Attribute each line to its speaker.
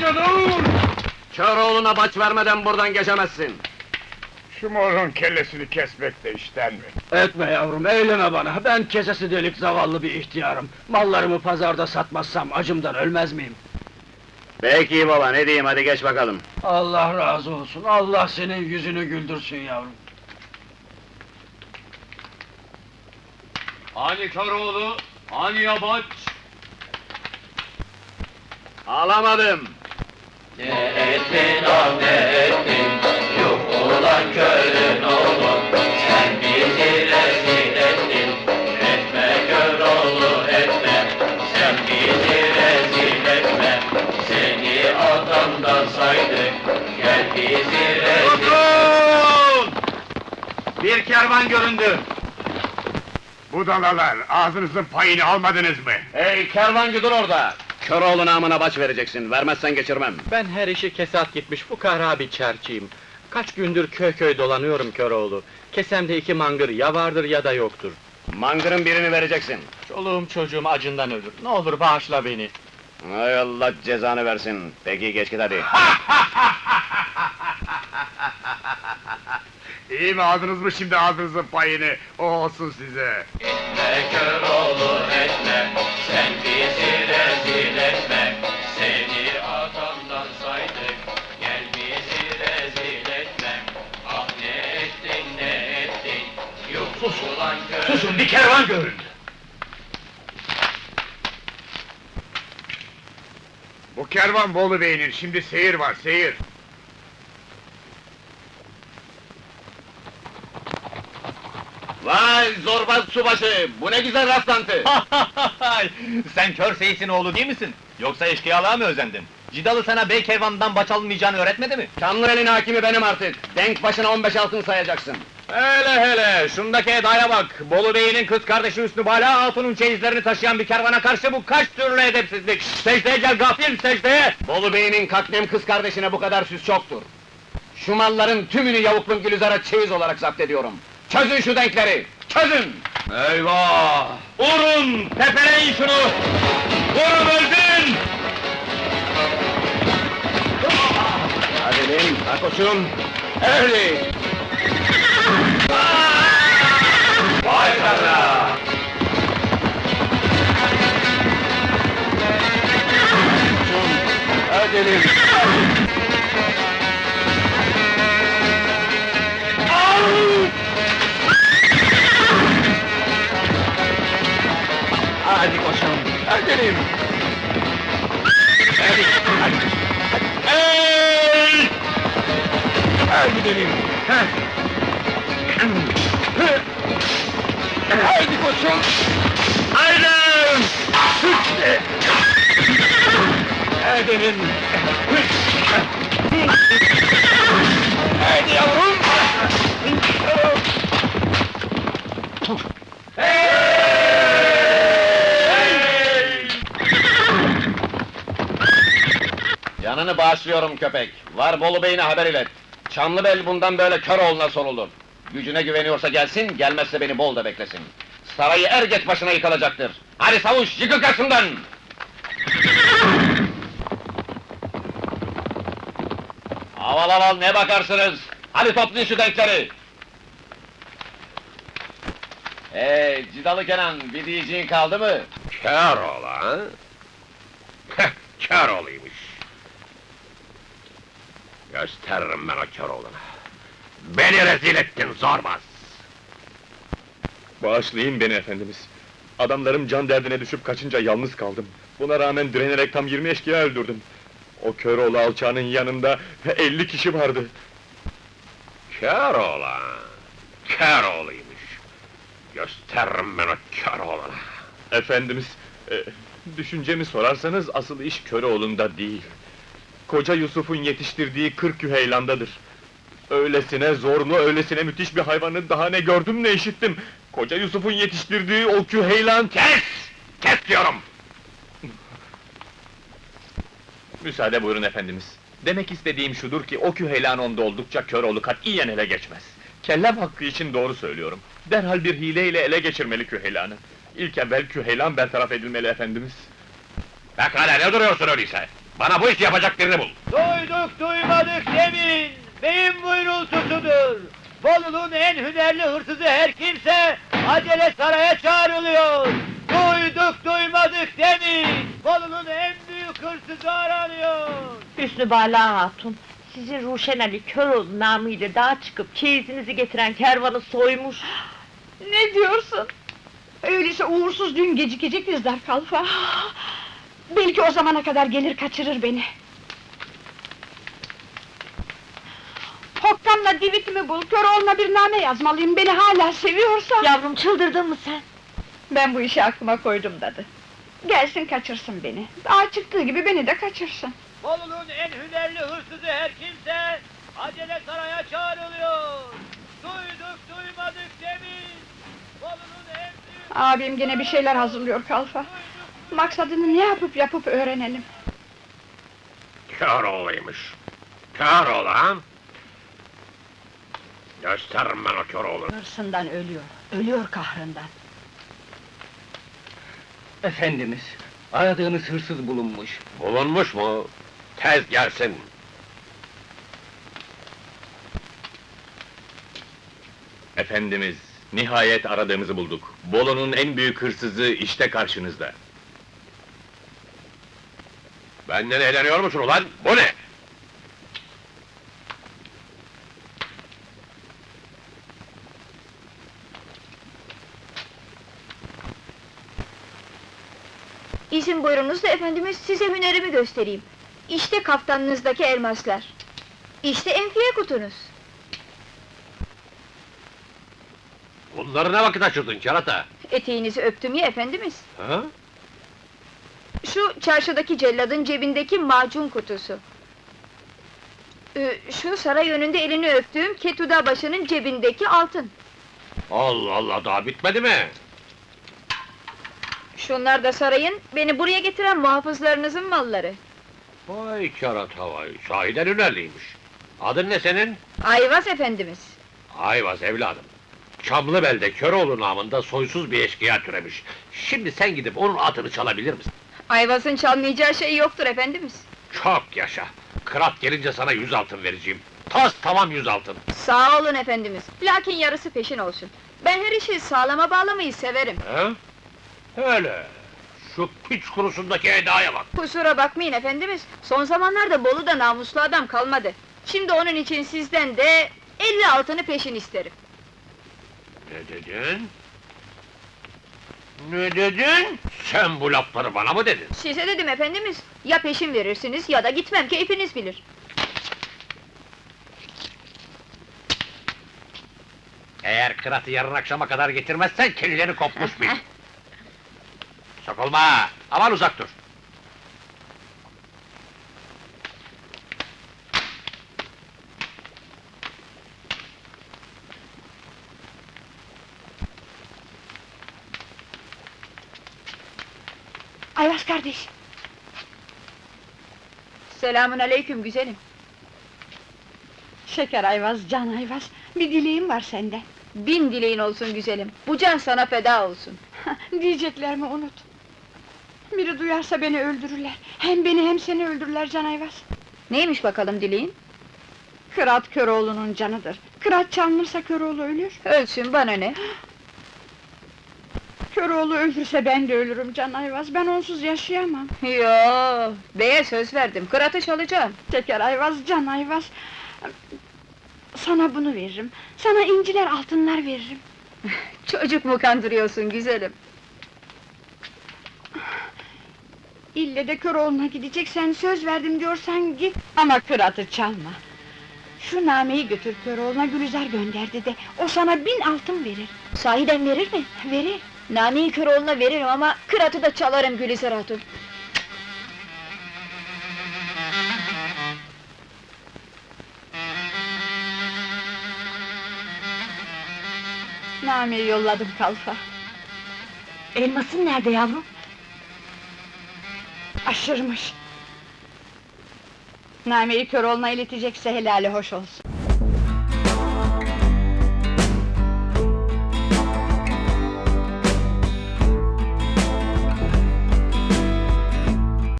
Speaker 1: dur! Köroğlu'na baç vermeden buradan geçemezsin!
Speaker 2: Şu morun kellesini kesmek de işten mi?
Speaker 1: Etme yavrum, eyleme bana! Ben kesesi delik zavallı bir ihtiyarım! Mallarımı pazarda satmazsam acımdan ölmez miyim?
Speaker 3: Peki baba, ne diyeyim, hadi geç bakalım.
Speaker 1: Allah razı olsun, Allah senin yüzünü güldürsün yavrum!
Speaker 4: Hani Köroğlu, hani yabaç?
Speaker 3: Alamadım!
Speaker 5: Ne ettin ah ne ettin, yok olan körün oğlum, sen bizi rezil ettin, etme Köroğlu etme, sen bizi rezil etme, seni adamdan saydık, gel bizi rezil.
Speaker 3: Durun! Bir kervan göründü!
Speaker 2: Budalalar, ağzınızın payını almadınız mı?
Speaker 3: Hey kervancı dur orada! Köroğlu namına baç vereceksin, vermezsen geçirmem.
Speaker 6: Ben her işi kesat gitmiş fukara bir çerçiyim. Kaç gündür köy köy dolanıyorum Köroğlu. Kesemde 2 mangır ya vardır ya da yoktur.
Speaker 3: Mangırın birini vereceksin.
Speaker 6: Çoluğum çocuğum acından ölür. Ne olur bağışla beni.
Speaker 3: Hay Allah cezanı versin. Peki geç git hadi.
Speaker 2: İyi mi, aldınız mı şimdi ağzınızın payını? O olsun size!
Speaker 5: Etme Köroğlu etme, sen bizi rezil etme, seni adamdan saydık, gel bizi rezil etme, ah ne ettin ne ettin, yok ulan körün.
Speaker 1: Susun, bir kervan göründü!
Speaker 2: Bu kervan Bolu Bey'in, şimdi seyir var, seyir!
Speaker 3: Vay zorbaz subaşı, bu ne güzel rastlantı!
Speaker 6: Sen kör seyisin oğlu değil misin? Yoksa eşkıyalığa mı özendin? Cidalı sana bey kervanından baç alınmayacağını öğretmedi mi?
Speaker 3: Çamlıel'in hakimi benim artık. Denk başına 15 altın sayacaksın.
Speaker 6: Hele, şundaki edaya bak! Bolu beyinin kız kardeşi Hüsnü Bala Hatun'un çeyizlerini taşıyan bir kervana karşı bu kaç türlü edepsizlik! Secdeye gel gafil, secdeye!
Speaker 3: Bolu Bey'in kaknem kız kardeşine bu kadar süs çoktur. Şu malların tümünü yavuklum Gülizar'a çeyiz olarak zapt ediyorum. Çözün şu denkleri, çözün!
Speaker 6: Eyvah! Vurun! Tepeleyin şunu! Vurun öldün!
Speaker 3: Hadi bin, ha koçum! Öyle!
Speaker 5: Vay sana!
Speaker 3: Hadi bin!
Speaker 1: Hadi koçum, öldüreyim!
Speaker 3: Hadi, hadi!
Speaker 1: Hey! Hadi gidelim! Haydi koçum! Haydi! Edelim! Haydi yavrum!
Speaker 3: Canını bağışlıyorum köpek. Var Bolu Bey'ine haber ilet. Çamlıbel bundan böyle Köroğlu'na sorulur. Gücüne güveniyorsa gelsin, gelmezse beni Bol'da beklesin. Sarayı er geç başına yıkılacaktır. Hadi savuş, yıkıl karşımdan! Aval aval ne bakarsınız? Hadi toplayın şu denkleri! Cidalı Kenan, bir diyeceğin kaldı mı?
Speaker 2: Köroğlu ha? Heh, Köroğlu'ymuş! Gösteririm ben o Köroğlu'na! Beni rezil ettin zorbaz!
Speaker 6: Bağışlayın beni efendimiz. Adamlarım can derdine düşüp kaçınca yalnız kaldım. Buna rağmen direnerek tam 20 eşkıya öldürdüm. O Köroğlu alçağının yanında 50 kişi vardı.
Speaker 2: Köroğlu ha? Köroğlu'ymuş! Gösteririm ben o Köroğlu'na!
Speaker 6: Efendimiz, düşüncemi sorarsanız asıl iş Köroğlu'nda değil. Koca Yusuf'un yetiştirdiği 40 Yüheylan'dadır. Öylesine zorlu, öylesine müthiş bir hayvanı daha ne gördüm ne işittim. Koca Yusuf'un yetiştirdiği o Küheylan...
Speaker 2: Kes! Kes diyorum!
Speaker 6: Müsaade buyurun efendimiz. Demek istediğim şudur ki o Küheylan onda oldukça Köroğlu katiyen ele geçmez. Kellem hakkı için doğru söylüyorum. Derhal bir hileyle ele geçirmeli Küheylan'ı. İlk evvel Küheylan bertaraf edilmeli efendimiz.
Speaker 2: Pekala ne duruyorsun öyleyse? Bana bu işi yapacak birini bul.
Speaker 5: Duyduk duymadık demin, beyin buyrultusudur. Bolu'nun en hünerli hırsızı her kimse, acele saraya çağrılıyor. Duyduk duymadık demin, Bolu'nun en büyük hırsızı aranıyor.
Speaker 7: Hüsnü Bala Hatun, sizi Ruşen Ali Köroğlu namıyla dağa çıkıp çeyizinizi getiren kervanı soymuş.
Speaker 8: Ne diyorsun? Öyleyse uğursuz düğün gecikecek bizler Kalfa. Belki o zamana kadar gelir kaçırır beni. Hokkan'la divitimi bul, Köroğlu'na bir name yazmalıyım, beni hala seviyorsa...
Speaker 7: Yavrum, çıldırdın mı sen?
Speaker 8: Ben bu işi aklıma koydum dadı. Gelsin kaçırsın beni, dağa çıktığı gibi beni de kaçırsın.
Speaker 5: Bolu'nun en hünerli hırsızı her kimse, acele saraya çağrılıyor. Duyduk duymadık demin, Bolu'nun en büyük...
Speaker 8: Abim gene bir şeyler hazırlıyor Kalfa. Maksadını ne yapıp öğrenelim.
Speaker 2: Köroğlu'ymuş. Köroğlu ha? Gösteririm ben o Köroğlu'nu.
Speaker 8: Hırsından ölüyor kahrından.
Speaker 1: Efendimiz, aradığınız hırsız bulunmuş.
Speaker 2: Bulunmuş mu? Tez gelsin.
Speaker 6: Efendimiz, nihayet aradığımızı bulduk. Bolu'nun en büyük hırsızı işte karşınızda.
Speaker 2: Benden eğleniyor musun ulan? Bu ne?
Speaker 9: İzin buyurunuz da efendimiz, size hünerimi göstereyim. İşte kaftanınızdaki elmaslar. İşte enfiye kutunuz.
Speaker 2: Bunları ne vakit açırdın kerata?
Speaker 9: Eteğinizi öptüm ya efendimiz.
Speaker 2: Ha?
Speaker 9: Şu çarşıdaki celladın cebindeki macun kutusu. Şu saray önünde elini öptüğüm Ketuda başının cebindeki altın.
Speaker 2: Allah Allah, daha bitmedi mi?
Speaker 9: Şunlar da sarayın, beni buraya getiren muhafızlarınızın malları.
Speaker 2: Vay kerata vay, sahiden hünerliymiş. Adın ne senin?
Speaker 9: Ayvaz efendimiz.
Speaker 2: Ayvaz evladım. Çamlıbel'de Köroğlu namında soysuz bir eşkıya türemiş. Şimdi sen gidip onun atını çalabilir misin?
Speaker 9: Ayvaz'ın çalmayacağı şey yoktur efendimiz.
Speaker 2: Çok yaşa! Kırat gelince sana 100 altın vereceğim. Tas tamam 100 altın.
Speaker 9: Sağ olun efendimiz, lakin yarısı peşin olsun. Ben her işi sağlama bağlamayı severim.
Speaker 2: He? Öyle. Şu piç kurusundaki edaya bak.
Speaker 9: Kusura bakmayın efendimiz, son zamanlarda Bolu'da namuslu adam kalmadı. Şimdi onun için sizden de 50 altını peşin isterim.
Speaker 2: Ne dedin? Ne dedin? Sen bu lafları bana mı dedin?
Speaker 9: Size dedim efendimiz, ya peşin verirsiniz ya da gitmem, keyfiniz bilir.
Speaker 2: Eğer kıratı yarın akşama kadar getirmezsen kellerini kopmuş bil. Sokulma! Aman uzak dur!
Speaker 8: Ayvaz kardeş!
Speaker 9: Selamün aleyküm güzelim.
Speaker 8: Şeker Ayvaz, can Ayvaz, bir dileğim var senden.
Speaker 9: 1000 dileğin olsun güzelim, bu can sana feda olsun.
Speaker 8: Diyeceklerimi unut. Biri duyarsa beni öldürürler. Hem beni hem seni öldürürler Can Ayvaz.
Speaker 9: Neymiş bakalım dileğin?
Speaker 8: Kırat Köroğlu'nun canıdır. Kırat çalınırsa Köroğlu ölür.
Speaker 9: Ölsün, bana ne?
Speaker 8: Köroğlu öldürse ben de ölürüm Can Ayvaz. Ben onsuz yaşayamam.
Speaker 9: Yo, beye söz verdim, kıratı çalacağım.
Speaker 8: Şeker Ayvaz, Can Ayvaz. Sana bunu veririm. Sana inciler, altınlar veririm.
Speaker 9: Çocuk mu kandırıyorsun güzelim?
Speaker 8: İlle de Köroğlu'na gideceksen, söz verdim diyorsan git. Ama kıratı çalma. Şu nameyi götür Köroğlu'na, Gülizar gönderdi de, o sana 1000 altın verir.
Speaker 9: Sahiden verir mi?
Speaker 8: Verir.
Speaker 9: Nameyi Köroğlu'na veririm ama kıratı da çalarım Gülizar Hatun.
Speaker 8: Nameyi yolladım Kalfa.
Speaker 7: Elmasın nerede yavrum?
Speaker 8: Aşırmış. Nameyi Köroğlu'na iletecekse helali hoş olsun.